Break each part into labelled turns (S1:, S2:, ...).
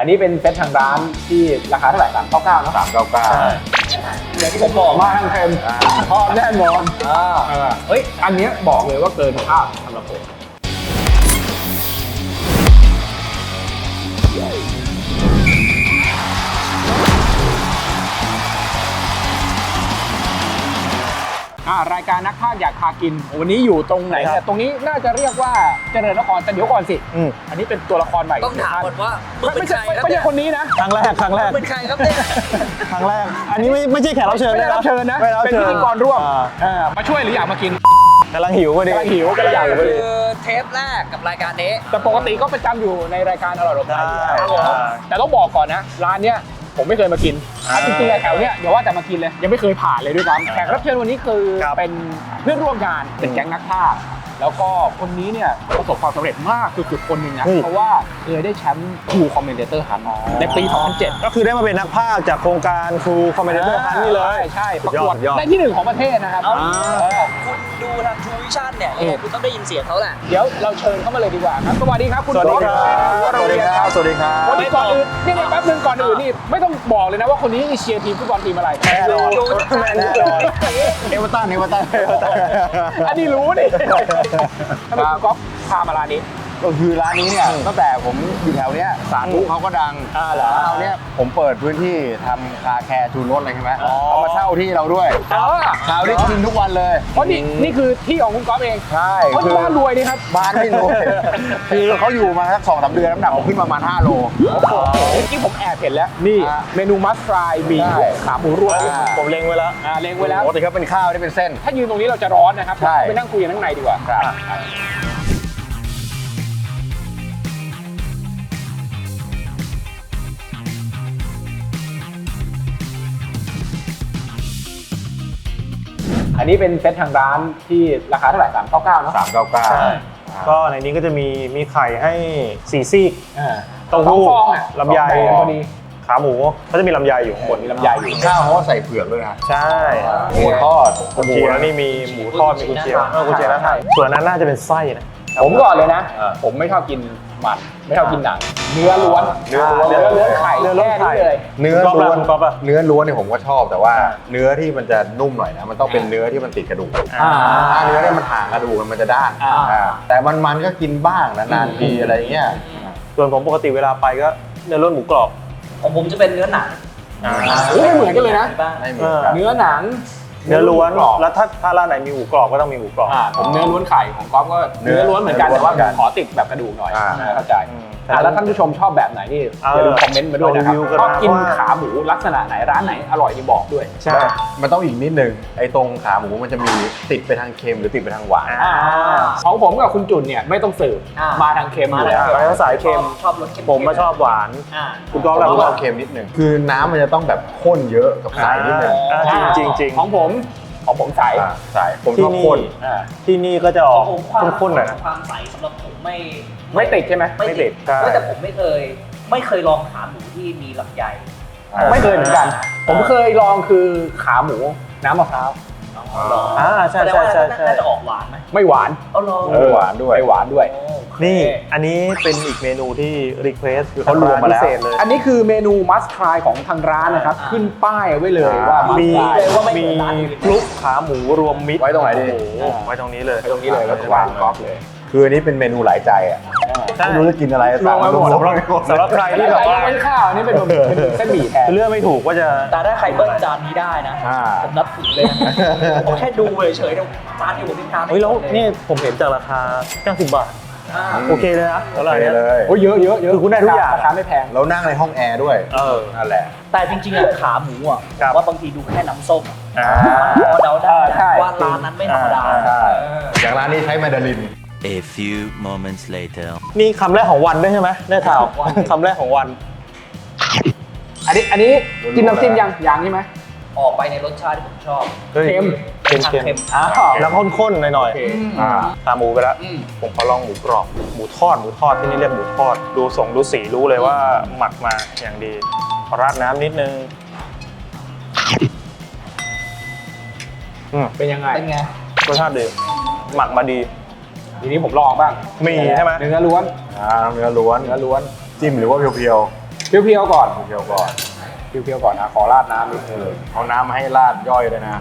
S1: อันนี้เป็นเซตทางร้านที่ราคาเท่าไหร่399เนอะ
S2: 399
S1: อย่างที่ผมบอกมาทางเค็มทอดแน่นอนเฮ้ยอันนี้บอกเลยว่าเกินคาดสำหรับผมรายการนักพากย์อยากพากินวันนี้อยู่ตรงไหนเนี่ยตรงนี้น่าจะเรียกว่าเจริญนครแต่เดี๋ยวก่อนสิอันนี้เป็นตัวละครใหม่
S2: ต้องถามก่อนว่า
S1: ไม่ใช่คนนี้นะ
S3: ครั้งแรก
S2: เป็นใครครับเนี่ย
S3: ครั้งแรกอันนี้ไม่ใช่แขกรับเชิญนะ
S1: เป็นพิธีกรร่วมมาช่วยหรืออยากมากิน
S3: กำลังหิวพอดี
S1: ก็อยาก
S2: คือเทปแรกกับรายการนี้
S1: แต่ปกติก็ประจำอยู่ในรายการอร่อยรสแต่ต้องบอกก่อนนะร้านเนี้ยผมไม่เคยมากินจริงๆแถวเนี้ยเดี๋ยวว่าจะมากินเลยยังไม่เคยผ่านเลยด้วยซ้ำแขกรับเชิญวันนี้คือเป็นเพื่อนร่วมงานเป็นแก๊งนักพากย์แล้วก็คนนี้เนี่ยประสบความสำเร็จมากสุดๆคนหนึ่งนะเพราะว่าเคยได้แชมป์ True Commentator Hunt ในปี 2007
S3: ก็คือได้มาเป็นนักพากย์จากโครงการ True Commentator Hunt นี่เลย
S1: ใช่ประกวดได้ที่1ของประเทศนะครับ
S2: คุณดูทาง True Vision เนี่ยคุณต้องได้ยินเสียงเขาแหละ
S1: เดี๋ยวเราเชิญเข้ามาเลยดีกว่าครับสวัสดีครับคุณ
S3: สวัสดีครับ
S1: วันนี้ก่อนอื่นนี่แป๊บนึงก่อนอื่นนี่ไม่ต้องบอกเลยนะว่าคนนี้เชียร์ทีมฟุตบอลทีมอะไร
S3: แน่นอนเอเวอร์ตัน
S1: อันนี้รู้นี่ทำไมคุณก๊อฟพามาร้านนี้
S4: ก็คือร้านนี้เนี่ยตั้งแต่ผมอยู่แถวเนี้ยสาธุเขาก็ดังแล้วเนี้ยผมเปิดพื้นที่ทำคาแคร์ทูนรถอะไรใช่ไหมเขามาเช่าที่เราด้วยเช่าได้กินทุกวันเลย
S1: เพราะนี่คือที่ของคุณก๊อฟเอง
S4: ใช่
S1: คือบ้านรวยนี่ครับ
S4: บ้านไม่รวยคือเขาอยู่มาสัก2-3 เดือนน้ำหนักผมขึ้นประมาณ5 โล
S1: เมื่อกี้ผมแอบเห็นแล้วนี่เมนูมัสฟรายมีขาหมูรวม
S3: ผมเล็งไว้แล้ว
S4: ปกติเขาเป็นข้าวได้เป็นเส้น
S1: ถ้ายืนตรงนี้เราจะร้อนนะครับไปนั่งคุยกันข้างในดีกว่าอันนี้เป็นเซตทางร้านที่ราคาเท่าไหร่399เนอะ
S4: 399
S3: ก็ในนี้ก็จะมีไข่ให้4ซีกเต้าหู้ลำไยขาหมูก็จะมีลำไยอยู่ข้างบน
S1: มีลำไยอยู่
S4: ข้าวเขาใส่เผือกด้วยนะ
S3: ใช่
S4: หมูทอด
S3: หมูแล้วนี่มีหมูทอดมีกุนเชียงน่าทานส่วนนั้นน่าจะเป็นไส้นะ
S1: ผมก่อนเลยนะผมไม่ชอบกินมันไม่ชอบกินหนังเนื้อล้วนไข่เลย
S4: เนื้อล้วนเนี่ยผมก็ชอบแต่ว่าเนื้อที่มันจะนุ่มหน่อยนะมันต้องเป็นเนื้อที่มันติดกระดูกถ้าเนื้อเนี่ยมันห่างกระดูกมันจะด้านแต่มันก็กินบ้างนานๆทีอะไรเงี้ย
S3: ส่วนผมปกติเวลาไปก็เนื้อล้วนหมูกรอบ
S2: ของผมจะเป็นเนื้อหนัง
S1: ไม่เหมือนกันเลยนะเนื้อหนัง
S3: เนื้อล้วนแล้วถ้าร้านไหนมีหมูกรอบก็ต้องมีหมูกรอบ
S1: ผมเนื้อล้วนไข่ของก๊อฟก็เนื้อล้วนเหมือนกันแต่ว่าขอติดแบบกระดูกหน่อยเข้าใจแล้วท่านผู้ชมชอบแบบไหนนี่อย่าลืมคอมเมนต์มาด้วยนะครับชอบกินขาหมูลักษณะไหนร้านไหนอร่อยที่บอกด้วย
S4: ใช่มันต้องอีกนิดนึงไอ้ตรงขาหมูมันจะมีติดไปทางเค็มหรือติดไปทางหวาน
S1: ของผมกับคุณจุนเนี่ยไม่ต้องสืบมาทางเค็มอยู่แล้ว
S3: มาสายเค็ม
S2: ชอบรสเค็ม
S3: ผมมาชอบหวาน
S4: คุณก็เราชอบเค็มนิดนึงคือน้ำมันจะต้องแบบข้นเยอะกับใสนิดนึง
S3: จริง
S1: ของผมใส
S4: ผมชอบข้น
S3: ที่นี่ก็จะออกข้นๆหน่อยนะ
S2: ความใสสำหรับผม
S1: ไม่ติดใช่ไหม
S3: ไม่ติด
S2: แต่ผมไม่เคยลองขาหมูที่มีลำไย
S1: ไม่เคยเหมือนกันผมเคยลองคือขาหมูน้ำมะพร้าว
S3: ใช่
S2: น่าจะออกหวานไหม
S1: ไม่หวาน
S4: หวานด้วย
S3: นี่อันนี้เป็นอีกเมนูที่รีเควสคือเขารวมมาแล้ว
S1: อันนี้คือเมนูมัสทรายของทางร้านนะครับขึ้นป้ายไว้เลยว่า
S3: มีคลุกขาหมูรวมมิตร
S4: ไว้ตรงไหนดี
S3: ไว้ตรงนี้เลย
S4: แล้ววางก๊อฟเลยคืออันนี้เป็นเมนูหลายใจอ่ะไม่รู้จะกินอะไร
S3: สั่งมาหมดสำหรับใครที่แบบว่า
S1: เป็นข้าวนี่เป็นเส้นหมี่แทน
S3: เลือกไม่ถูกว่าจะ
S2: แต่ถ้าใครเบิ้ลจานนี้ได้นะผมนับถือเลยผมแค่ดูเฉยๆจานที่ผมพิจารณา
S3: แล้วนี่ผมเห็นจากราคา90 บาทโอเคเลยนะ
S4: เท่าไหร่เลย
S1: โอ้เยอะ
S3: คือคุณได้ทุกอย่าง
S1: ราคาไม่แพง
S4: แล้วนั่งในห้องแอร์ด้วยนั่นแหละ
S2: แต่จริงๆขาหมูอ่ะว่าบางทีดูแค่น้ำส้มพอเดาได้ว่าร้านนั้นไม่ธรรมดา
S4: อย่างร้านนี้ใช้แมนดาริน
S5: A few moments later
S3: นี่คำแรกของวันด้วยใช่ไหมได้ข่าวคำแรกของวัน
S1: อันนี้กินน้ำจิ้มยังใช่ไหม
S2: ออกไปในรสชาติที่ผมชอบ
S1: เค็ม
S3: แล้วข้นๆหน่อยๆขาหมูไปแล้วผมขอลองหมูกรอบหมูทอดที่นี่เรียกหมูทอดดูสีรู้เลยว่าหมักมาอย่างดีราดน้ำนิดนึง
S1: เป็นยังไง
S3: รสชาติดีหมักมาดี
S1: ทีนี้ผมลองบ้าง
S3: มีใช่ไหม
S1: เนื้อล้วน
S4: จิ้มหรือว่าเพียว
S1: เพียวๆก่อน
S4: เพียวก่อน
S1: เพียวๆก่อนนะขอราดน้ำนิดนึง
S4: เอาน้ำมาให้ราดย่อยเลยนะ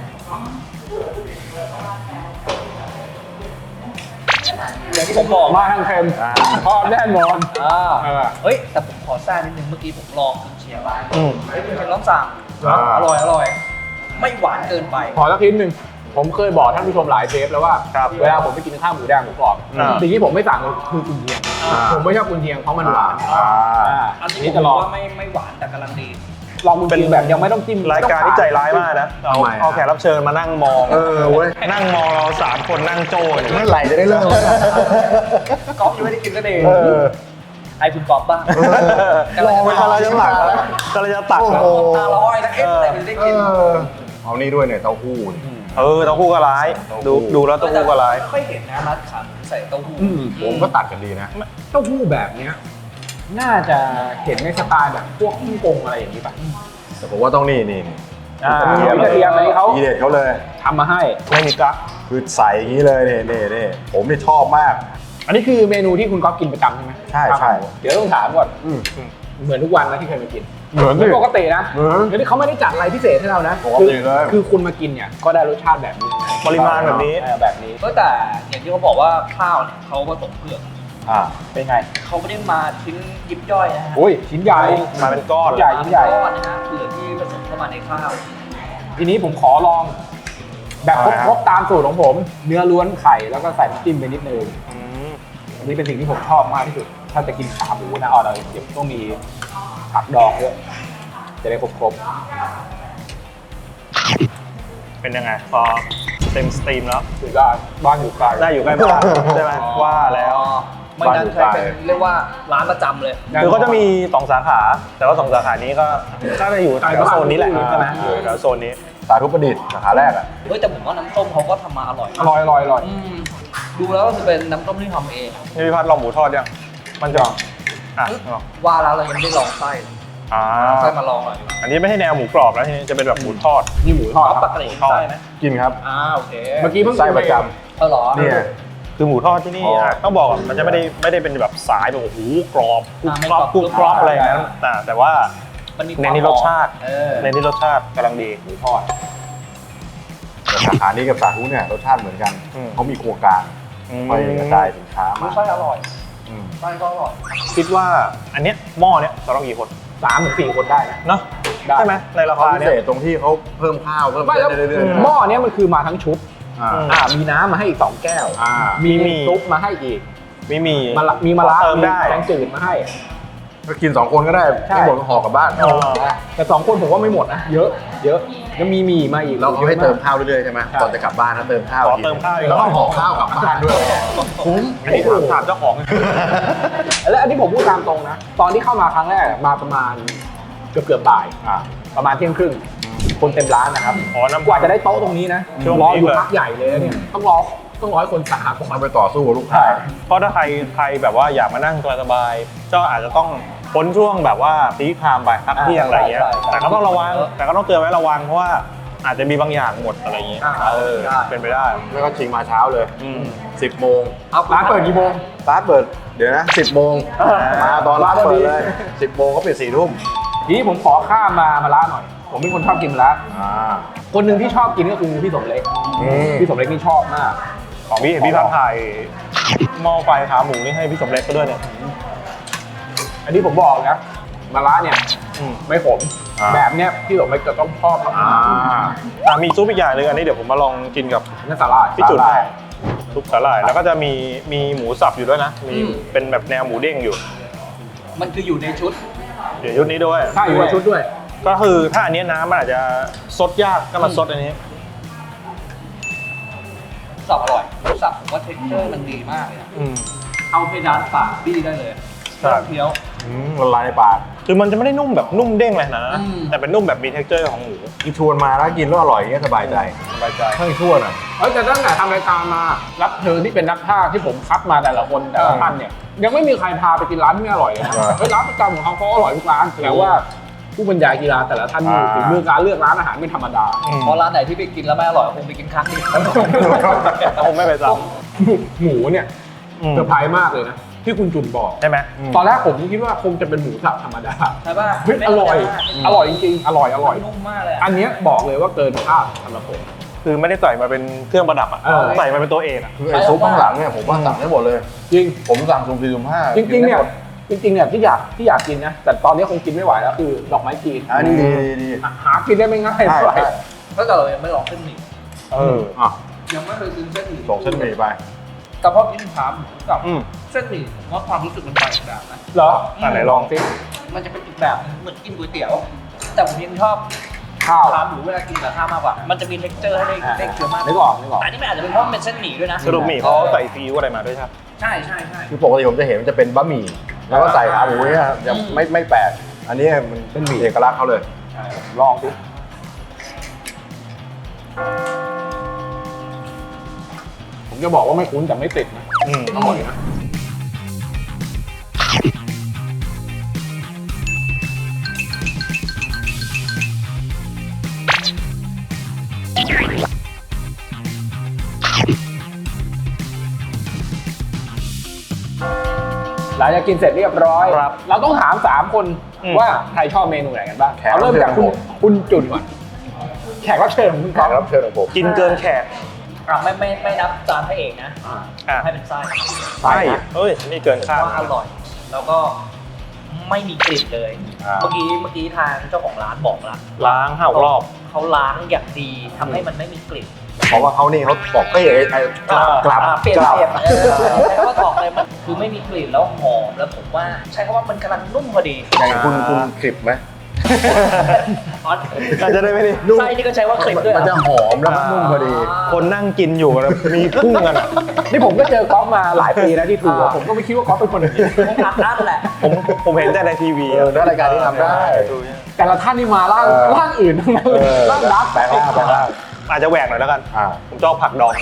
S2: อย่างที่ผมบอก
S1: มาทางเค็มทอดแน่นอน
S2: เฮ้ยแต่ผมขอแทรกนิดนึงเมื่อกี้ผมลองคุณเชียร์บ้าง
S3: อืม
S2: เฮ้ยคุณเชียร์ลองสั่ง
S4: อ่า
S2: อร่อยไม่หวานเกินไป
S1: ขอสักทีนึงผมเคยบอกท่านผู้ชมหลายเทปแล้วว่า
S3: ครับ
S1: เวลาผมไปกินข้าวหมูแดงหมูกรอบ
S3: อ่า
S1: สิ่งที่ผมไม่สั่งคือกุนเชียงผมไม่ชอบกุนเชียงเพราะมันหวาน
S2: อัน
S1: อัน
S2: นี้
S1: นี้
S2: ผม
S1: จะลอง
S2: ว่าไม่หวานแต่กำลังดี
S1: ลองกุนเชียงแบบยังไม่ต้องจิ้ม
S3: รายการที่ใจร้ายมากนะเอาแขกรับเชิญมานั่งมอง
S4: เว้ย
S3: นั่งมองเรา3 คนนั่งโจ้อยู่
S4: เมื่อไหร่จะได้เริ่มวะ
S2: ก๊อฟยังไม่ได้กินก็ดี
S4: เออ
S2: ไอ้คุณก๊อฟบ้าง
S3: รอไปกำลังจะตักแล้วกำลังจะตัก
S4: โอ้
S3: แล้ว
S4: โห
S2: ตาลอยนะเอ๊ะอะไรมันได้กิน
S4: เอานี่ด้วยเนี่ยเต้าหู้นี่
S3: เเต้าหู้ก็ร้าย ดูแล้วเต้าหู้ก็ร้าย
S2: ไม่เห็นนะร้านขาหมูใส่เต้าหู้
S4: ผมก็ตัดกันดีนะ
S1: เต้าหู้แบบเนี้ยน่าจะเห็นในสไตล์แบบพวกฮ่องกงอะไรอย่างนี้ป่ะ
S4: แต่ผมว่าต้องนี่
S1: กระเทียมอันนี้เขา
S4: ทีเด็ดเขาเลย
S1: ทำมาให้
S3: ไม่มีกั๊ก
S4: คือใส่อย่างนี้เลยนี่ผมนี่ชอบมาก
S1: อันนี้คือเมนูที่คุณก๊อฟกินประจำใช่ไหม
S4: ใช่
S1: เดี๋ยวต้องถามก่อน
S4: อืม
S1: เหมือนทุกวันนะที่เคยมากิน
S4: เหมือนดิ
S1: ปกตินะ
S4: เหมือน
S1: เดี๋ยวนี้เขาไม่ได้จัดอะไรพิเศษให้เรานะ
S4: ปกติเลย
S1: คือคุณมากินเนี่ยก็ได้รสชาติแบบนี้
S3: ปริมาณแบบนี้
S1: แบบนี้
S2: ก็แต่อย่างที่เขาบอกว่าข้าวเนี่ยเขาผสมเปลือก
S1: เป็นไง
S2: เขาไม่ได้มาชิ้นยิบย่อยนะฮะ
S1: โอ้ยชิ้นใหญ่
S3: มาเป็นก้อน
S1: ใหญ่ชิ้นใหญ่
S2: ก้อนนะฮะเปลือกที่ผสมเข้ามาในข้าว
S1: ทีนี้ผมขอลอง แบบครบๆตามสูตรของผม เนื้อล้วนไข่แล้วก็ใส่น้ำจิ้มไปนิดนึง
S3: อืม
S1: อันนี้เป็นสิ่งที่ผมชอบมากที่สุด ถ้าจะกินขาหมูนะเราเดี๋ยวต้องมีผักดองด้วยจะได้ครบ
S3: เป็นยังไงพอเต็มสตรีมแล้ว
S1: ๆถือได้บ้านอยู่ไกล
S3: ได้อยู่ใกล้บ้านใช่ไหมว่าแล้ว
S2: ไม่งั้นใช้เป็นเรียกว่าร้านประจำเลย
S3: คือเขาจะมี2 สาขา แต่ว่า2 สาขานี้ก็จะอยู่แถวโซนนี้แหละใช่ไหมอยู่แถวโซนนี้
S4: สาธุประดิษฐ์สาขาแรกอ่ะ
S2: เฮ้ยแต่ผมว่าน้ำต้มเขาก็ทำมาอร่อย
S1: อร่อยอร่อยอร่อย
S2: ดูแล้วก็คือเป็นน้ำต้มที่ทำเอง
S3: นี่พี่พัดลองหมูทอดยังมันจะอ่ะ
S2: ว่าแล้วเรายังไม่ได้ลองไส้เลย
S3: อ่า
S2: ไส้มาลองหน่อยดีกว่า
S3: อันนี้ไม่ใช่แนวหมูกรอบแล้วทีนี้จะเป็นแบบหมูทอด
S1: นี่หมูทอด
S2: เอา
S1: ค
S2: ป
S1: รับ
S2: กติไส้ไหม
S4: กินครับ
S2: โอเค
S1: เมื่อกี้เพิ่ง
S4: ไส้ประจ
S2: เออเหรอ
S4: ำเนี่ย
S3: คือหมูทอดที่นี่
S4: อ๋อ
S3: ต้องบอกก่อนมันจะไม่ได้เป็นแบบสายแบบโอ้โหกรอบกรุบ
S2: ไม่
S3: กรอบ
S2: กรอบ
S3: กรุบกรอบอะไรอย่างนั้นแต่ว่า
S2: มันมี
S3: เน้นที่รสชาติ
S2: เออ
S3: เน้นที่รสชาติกำลังดี
S1: หมูทอด
S4: แต่สาขานี้กับสาธุเนี่ยรสชาติเหมือนกัน
S3: อืม
S4: เขามีครัวกลาง
S3: อืม
S4: คอยกระจายสินค้ามา
S2: ไส้อร่อย
S4: อืม
S2: ไส้ก็อร่อย
S3: คิดว่าอันเนี้ยหม้อเนี้ยจะต้องกี่คน
S1: 3-4 คนได้นะ
S3: เนาะ
S1: ได้
S3: ใช่ไหมในรา
S4: เขา
S3: คา
S4: พิ
S3: เนี้
S4: เศ
S3: ย
S4: ษตรงที่เขาเพิ่มข้าวเพิ่ม
S1: ไม่แล้ว
S4: เรื่อยๆนะ
S1: หม้อเนี้ยมันคือมาทั้งชุด
S4: อ่า
S1: มีน้ำมาให้อีก2 แก้ว
S4: มี
S1: มีซุปมาให้อีก
S3: ไม่มี
S1: มีมะระ
S3: เติมได้
S1: แกงจืดมาให้
S4: ก็กิน 2 คนก็ได้
S1: ใช่
S4: ไม่หมดก็ห่อกลับบ้าน
S3: อ๋อ
S1: แต่2 คนผมว่าไม่หมดนะ เยอะยังมีหมี่มาอีก
S4: แล้วเขาให้เติม
S1: ยอะ
S4: ข้าวเรื่อยๆใช่ไหม
S1: ใช่
S4: ก่อนจะกลับบ้านนะเติมข้าว
S3: ขอ
S4: กิน
S3: เติมข้าวอีก
S4: แล้วก็ห่อข้าวกลับบ้านด้วยคุ้ม
S3: อันนี้ถามเจ้าของ
S1: มากแล้วอันนี้ผมพูดตามตรงนะ ตอนที่เข้ามาครั้งแรกมาประมาณเกือบบ่าย ประมาณเที่ยงครึ่ง คนเต็มร้านนะครับ
S3: อ๋อน้ำ
S1: กว่าจะได้โต๊ะตรงนี้นะ
S3: ช่วง
S1: รอ
S3: นี้
S1: อยู่
S3: เลย
S1: พักใหญ่เลยนะเนี่ยต้องรอให้คนสาหก่อน
S4: ต้องไปต่อสู้กับลูกค้า
S3: เพราะถ้าใครแบบว่าอยากมานั่งสบายๆก็อาจจะต้องพ้นช่วงแบบว่าพีคไทม์ไปพักเที่ยงอะไรเงี้ย แต่ก็ต้องระวังแต่ก็ต้องเตือนไว้ระวังเพราะว่าอาจจะมีบางอย่างหมดอะไรเงี้ยเป็นไปได้
S4: แล้วก็ชิงมาเช้าเลย
S3: อืม
S4: 10 โมง
S1: ร้านเปิดกี่โมง
S4: ร้านเปิดเดี๋ยวนะ 10 โมงมาตอนร้านเปิดเลย 10 โมงเขาปิด4 ทุ่ม
S1: ทีนี้ผมขอข้ามมาร้านหน่อย ผมเป็นคนชอบกินร้านคนหนึ่งที่ชอบกินก็คือพี่สมเล็ก พี่สมเล็กนี่ชอบมาก
S3: ของพี่เห็นพี่พัดถ่ายหม้อไฟขาหมูนี่ให้พี่สมเล็กก็ด้วยเนี่ย
S1: อันนี้ผมบอกนะมาร้านเนี่ย
S3: อืม
S1: ไม่ขมแบบเนี้ยพี่สมเล็กจะต้องชอบมาก
S3: มีซุปอีกอย่างหนึ่งอันนี้เดี๋ยวผมมาลองกินกับ
S1: นั่นสาหร่าย
S3: พี่จุด
S1: สาหร่าย
S3: ซุปสาหร่ายแล้วก็จะมีหมูสับอยู่ด้วยนะมีเป็นแบบแนวหมูเด้งอยู่
S2: มันคืออยู่ในชุด
S3: เดี๋ยวชุดนี้ด้วย
S1: ใช่อยู่ในชุดด้วย
S3: ก็คือถ้าอันนี้น้ำมันอาจจะซดยากก็มาซดอันนี้
S2: สับอร่อยสับผมว่าเท็กเจอร์มันดีมากเลยอะ
S3: อืม
S2: เอาเพดานปากบี้ได้เลย
S3: ครับ
S2: เคี้ยว
S4: ละลายในปาก
S3: คือมันจะไม่ได้นุ่มแบบนุ่มเด้งเลยนะ
S2: อืม
S3: แต่เป็นนุ่มแบบมี texture ของหมู
S4: อีชวนมาแล้วกินแล้วอร่อยอย่างเงี้ยสบายใจ
S3: สบายใจ
S4: ให้ชวนอ่ะ
S1: แต่ตั้งแต่ทำรายการมารับเชิญที่เป็นนักพากย์ที่ผมคัดมาแต่ละคนแต่ละท่านเนี่ยยังไม่มีใครพาไปกินร้านที่ไม่อร่อยเลยนะเฮ้ยร้านประจำของเขาอร่อยทุกร้านแต่ว่าผู้บรรยายกีฬาแต่ละท่านนี่ฝีมือการเลือกร้านอาหารไม่ธรรมดา
S2: เพราะร้านไหนที่ไปกินแล้วไม่อร่อยคงไปกินครั้งเดียว
S3: คงไม่ไปซ้
S1: หมูเนี่ย
S3: ำอืม
S1: เซอร์ไพรส์มากเลยนะที่คุณจุนบอก
S3: ใช่ไหม
S1: ตอนแรกผมคิดว่าคงจะเป็นหมูสับธรรมดา
S2: ใช่ป่ะ
S1: เฮ้ยอร่อยจริงๆอร่อย
S2: นุ่มมากเลย
S1: อันเนี้ยบอกเลยว่าเกินคาดสำหรับผม
S3: คือไม่ได้ใส่มาเป็นเครื่องประดับอ่ะ ใส่มาเป็นตัวเองอ่ะ
S4: คือไอ้ซุปข้างหลังเนี่ยผมว่าสั่งได้หมดเลย
S1: จริง
S4: ผมสั่งซุ่ม4สุ่ม5
S1: จริงๆเนี่ยที่อยากกินนะแต่ตอนนี้คงกินไม่ไหวแล้วคือดอกไม้จีน
S4: อันนี้ดี
S1: หากินได้ไม่ง่าย
S4: ใช่
S1: เท่าไหร่
S4: ใช่
S2: ถ้าเกิดเรายังไม่ลองเส้นหมี่
S4: อ่ะ
S2: ยังไม่เคยกินเส้นหมี่
S4: ส่งเส้นหมี่ไป
S2: แต่พอกินขาหมูกับ
S3: อืม
S2: เส้นหมี่ผมว่าความรู้สึกมันไปอีกแบบนะ
S1: เหรอ
S3: ไหนลองสิ
S2: มันจะเป็นอีกแบบนึงเหมือนกินก๋วยเตี๋ยว แต่ผมยังชอบ
S1: ข้าว
S2: ขาหมูเวลากินกับข้าวมากกว่า มันจะมี texture ให้ได้เคี้ยวมาก
S1: นึกออก
S2: แต่อันนี้มันอาจจะเป็นเพราะมันเป็นเส้นหมี่ด้วยนะ
S3: สรุปหมี่เขาใส่ซีอิ๊วอะไรมาด้วยครับ
S2: ใช่ใช่ใช่
S4: คือปกติผมจะเห็นมันจะเป็นบะหมี่แล้วก็ใส่ขาหมูเนี่ยยังไม่แปลกอันนี้มันเป็นหมี่เอกลักษณ์เขาเลย
S1: ลองสิผมจะบอกว่าไม่คุ้นแต่ไม่ติดนะ อร่อยนะหลังจากกินเสร็จเรียบร้อย
S3: ครับ
S1: เราต้องถาม3 คน ว่าใครชอบเมนูไหนกันบ้าง
S4: แขก
S1: เอาเริ่มจาก
S4: รับเชิญของผม
S1: คุณจุนก่อนแขกรับเชิญของคุณ
S4: แข
S1: ก๊อฟ
S4: กรับเชิญของผม
S3: กินเกินแขก
S2: ไม่นับจานพระเอกนะ
S3: อ่ะ
S2: ให้เป็นไส้
S3: ใช่เอ้ยนี่เกินคาด
S2: ว่าอร่อย แล้วก็ไม่มีกลิ่นเลย
S4: อ่า
S2: เมื่อกี้ทางเจ้าของร้านบอกละ
S3: ล้าง5 รอบ
S2: เขาล้างอย่างดีทำให้มันไม่มีกลิ่น
S4: เพราะว่าเขานี่เขาบอกไอ้กลับ
S2: เปลี่ยน
S4: กลับ
S2: ใช้คำว่าตอกเลยมันคือไม่มีกลิ่นแล้วหอมแล้วผมว่าใช้คำว่ามันกำลังนุ่มพอดี
S4: อย่างคุณคลิปไหม
S2: อ๋อ
S3: น่าจะได้ไม่ได้
S2: ไส้นี่ก็ใช้ว่าคลิปด้วยเหร
S4: มันจะ
S2: อ
S4: หอมแล้วก็นุ่มพอดี
S3: คนนั่งกินอยู่นะมีพุ่งกันอะ
S1: นี่ผมก็เจอก๊อฟมาหลายปีนะที่ทัวร์ผมก็ไม่คิดว่าก๊อฟเป็นคนอย่างนี้
S2: ผมอัดอั้นแหละ
S3: ผมเห็นแต่ในทีวี
S4: เนื้อรายการที่ทำได้
S1: แต่ละท่านนี่มาร่างอื่นทั้งนั้นเลยร่างดัก
S4: แปลงร่าง
S3: อาจจะแหวกหน่อยแล้วกัน ผมชอบผักดอง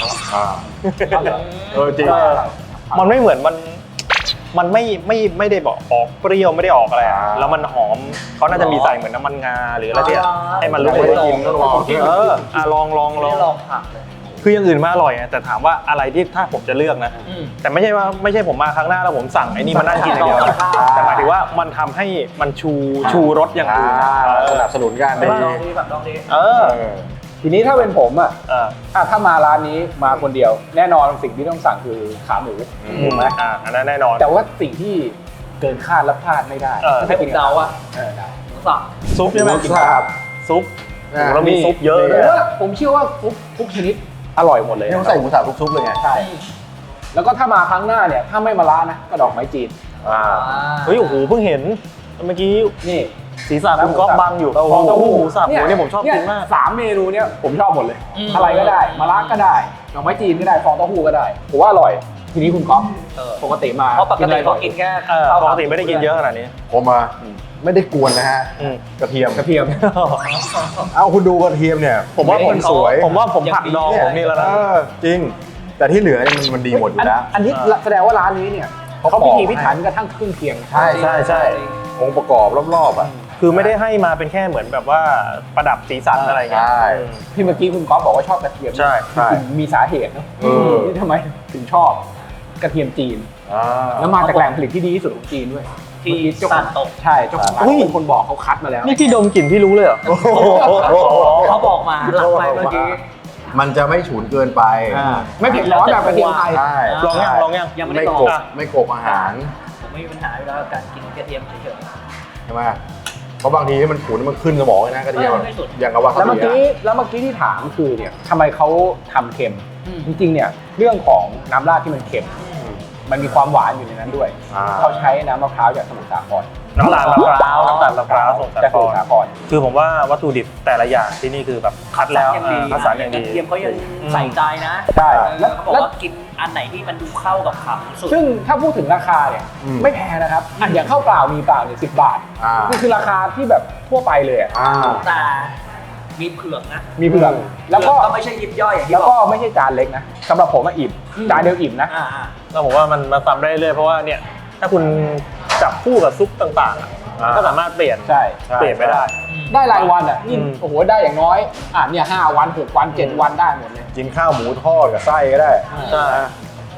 S4: จริง
S3: มันไม่เหมือนมันไม่ได้บอกออกเปรี้ยวไม่ได้ออกอะไรอะแล้วมันหอมเขาน่าจะมีใส่เหมือนน้ำมันงาหรืออะไรที่ให้มันรู้
S4: ไม่
S3: ว่า
S4: ได้กินต้องลอง
S3: ลอง
S2: ไม่ได้ลองผักเลย
S3: คืออย่างอื่นมาอร่อยไงแต่ถามว่าอะไรที่ถ้าผมจะเลือกนะ แต่ไม่ใช่ผมมาครั้งหน้าแล้วผมสั่งไอ้นี่มานั่งกินอย่างเดียวนะแต่หมายถึงว่ามันทำให้มันชูรสอย่างอื่นนะ
S4: สนับสนุนกัน
S2: ไม่ลองดีแบบลองดี
S1: ทีนี้ถ้าเป็นผมถ้ามาร้านนี้มาคนเดียว แน่นอนสิ่งที่ต้องสั่งคือขาหมูถูกไหม
S3: อันนั้นแน่นอน
S1: แต่ว่าสิ่งที่เกินคาดและพลาดไม่ได้
S2: ให้ผมเดาอ่ะ
S1: ได้
S2: หมูสับ
S3: ซุปใช่ไหม
S4: ครับ
S3: ซุปแล้วมีซุปเยอะ
S1: ผ
S3: เลย
S1: มว่าผมเชื่อว่าทุกชนิดอร่อยหมดเลย
S4: นี่เขาใส่หมูสับทุกซุปเลยไง
S1: ใช่แล้วก็ถ้ามาครั้งหน้าเนี่ยถ้าไม่มาร้านนะก็ดอกไม้จีน
S3: เฮ้ยโอ้โหเพิ่งเห็นเมื่อกี้
S1: นี่
S3: ศีรษะคุณก๊อฟบังอยู่ฟองเต้าหู้หมูสับเนี่ยผมชอบกินมาก
S1: 3 เมนูเนี่ยผมชอบหมดเลย อะไรก็ได้มาร้านก็ได้ดอกไม้จีนก็ได้ฟองเต้าหู้ก็ได้ผมว่าอร่อย ทีนี้คุณก๊อฟปกติมา
S2: เพราะปกติเขากินแค่
S3: ปกติไม่ได้กินเยอะขนาดนี้
S4: ผมมาไม่ได้กวนนะฮะกระเทียม
S1: กระเทียม
S4: เอาคุณดูกระเทียมเนี่ย
S3: ผมว่าผม
S4: สวย
S3: ผมว่าผมผักดองผมนี่แล้วนะ
S4: จริง แต่ที่เหลือนี่มันดีหมดอยู่แล้ว
S1: อันนี้แสดงว่าร้านนี้เนี่ยเขาพิถีพิถันกระทั่งเครื่องเคียง
S4: ใช่องค์ประกอบรอบๆอ่ะ
S3: คือไม่ได้ให้มาเป็นแค่เหมือนแบบว่าประดับสีสันอะไรเงี้ย
S4: ใช่
S1: ที่เมื่อกี้คุณก๊อฟบอกว่าชอบกระเทียม
S3: ใช่
S1: จริงๆมีสาเหตุเนอะที่ทำไมถึงชอบกระเทียมจีน แล้วมาจากแหล่งผลิตที่ดีที่สุดของจีนด้วย
S2: ที่
S1: เจ้าข
S2: ซา
S1: อน ง
S2: โตะ
S1: ใช่เจ้าของร้านเป็นคนบอกเขาคัดมาแล้ว
S3: นี่ที่ดมกลิ่นพี่รู้เลยเหรอ
S2: เขาบอกมาหลังไปเมื่อกี้
S4: มันจะไม่ฉุนเกินไป
S1: ไม่เผ็ดร้อนแบบกระเทียมไทย
S4: ใช่
S3: ลองยัง
S2: ยังไม่
S4: ไม่
S2: ได้ลอง
S4: กบไม่กบอาหาร
S2: ผมไม่มีปัญหาอยู่แล้วกับการกินกระเทียมเฉย
S4: ใช่ไหมเพราะบางทีมันฉุนมันขึ้นสมองเลยนะกระเทียม
S2: ไม่สุด
S4: อย่างกับว่า
S1: แล้วเมื่อกี้ที่ถามคือเนี่ยทำไมเขาทำเค็ม จริงๆเนี่ยเรื่องของน้ำราดที่มันเค็มมันมีความหวานอยู่ในนั้นด้วยเขาใช้น้ำมะพร้าวจากสมุทรสาคร
S3: น้ำตาลมะพร้าวสมุทร
S1: จากสมุทรสาคร
S3: คือผมว่าวัตถุดิบแต่ละอย่างที่นี่คือแบบคัดแล้วคัดสรรอย่าง
S2: ก
S3: ดี
S2: ระเทียมเขายังใส่ใจนะ
S1: ใช่
S2: แล้วเขาบอกว่ากินอันไหนที่มันดูเข้ากับขาหมูสุด
S1: ซึ่งถ้าพูดถึงราคาเนี่ยไม่แพงนะครับอย่างข้าวเปล่ามีเปล่าเนี่ย10 บาทนี่คือราคาที่แบบทั่วไปเลยอะ
S2: แต่มีเผือกนะ
S1: มีเผือกแล้วก็
S2: ไม่ใช่ยิบย่อยอย่างที่
S1: แล้ว
S2: บ
S1: ก็
S2: อก
S1: ไม่ใช่จานเล็กนะสำหรับผมอะอิ่มจานเดียวอิ่มนะ
S3: แล้วผมว่ามันมาซ้ำได้เรื่อยเพราะว่าเนี่ยถ้าคุณจับคู่กับซุปต่างๆก็สามารถเปลี่ยน
S1: ใช่
S3: เปลี่ยนไม่ได้
S1: ได้รายวันอ่ะนี่โอ้โหได้อย่างน้อยเนี่ย5 วัน 6 วัน 7 วันได้หมดเลย
S4: กินข้าวหมูทอดกับไส้ก็ได้
S3: ใช่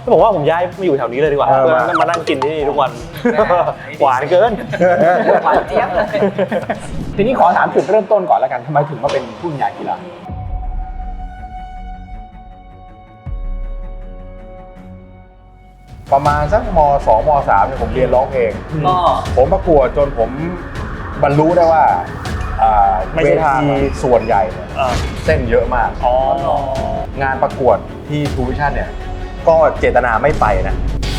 S3: ผมว่าผมย้ายมาอยู่แถวนี้เลยดีกว่า
S4: เออ
S3: เพื่อมานั่งกินที่นี่ทุกวัน หวานเกิน
S2: หวานเจี๊ยบเลย
S1: ทีนี้ขอถามจุดเริ่มต้นก่อนแล้วกันทำไมถึงมาเป็นผู้บรรยายกีฬา
S4: ประมาณสักม2ม3เนี่ยผมเรียนร้องเพลง
S2: ก็
S4: ผมประกวดจนผมบรรลุได้ว่า
S3: ไม่
S4: เว
S3: ใช่ทาง
S4: ทีส่วนใหญ่เนี่ย
S3: อ่า
S4: เส้นเยอะมาก
S3: อ๋อ
S4: งานประกวดที่ทูวิชั่นเนี่ย ก็เจตนาไม่ไปนะ